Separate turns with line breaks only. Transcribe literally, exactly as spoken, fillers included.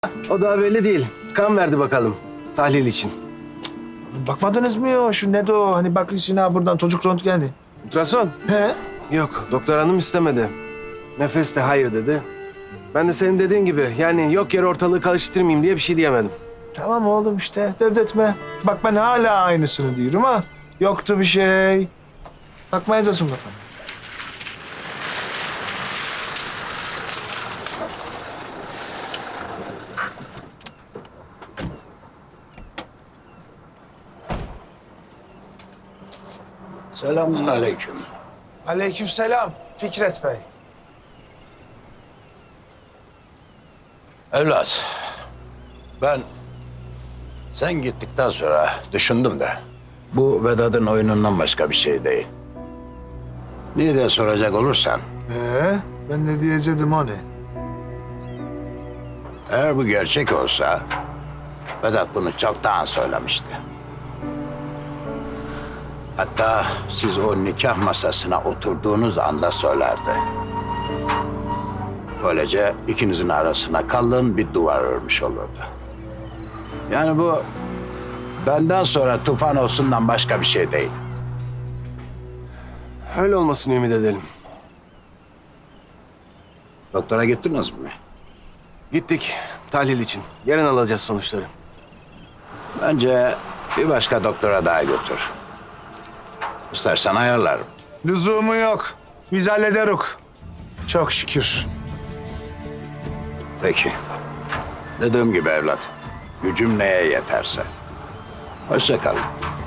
O daha belli değil. Kan verdi bakalım tahlil için.
Bakmadınız mı ya şu ne de o hani bak Sina buradan çocuk röntgeni.
Ultrason?
He?
Yok, doktor hanım istemedi. Nefes de hayır dedi. Ben de senin dediğin gibi yani yok yere ortalığı karıştırmayayım diye bir şey diyemedim.
Tamam oğlum işte dert etme. Bak ben hala aynısını diyorum ha. Yoktu bir şey. Bakmayacaksın bakalım.
Selamun aleyküm.
Aleykümselam Fikret Bey.
Evlat, ben sen gittikten sonra düşündüm de bu Vedat'ın oyunundan başka bir şey değil. Niye diye soracak olursan,
Ee, ben ne diyecektim o ne?
eğer bu gerçek olsa Vedat bunu çoktan söylemişti. Hatta siz o nikah masasına oturduğunuz anda söylerdi. Böylece ikinizin arasına kalın bir duvar örmüş olurdu. Yani bu benden sonra tufan olsundan başka bir şey değil.
Öyle olmasını ümit edelim.
Doktora gittiniz mi?
Gittik tahlil için. Yarın alacağız sonuçları.
Bence bir başka doktora daha götür. İstersen ayarlarım.
Lüzumu yok. Biz hallederiz. Çok şükür.
Peki. Dediğim gibi evlat, gücüm neye yeterse. Hoşça kalın.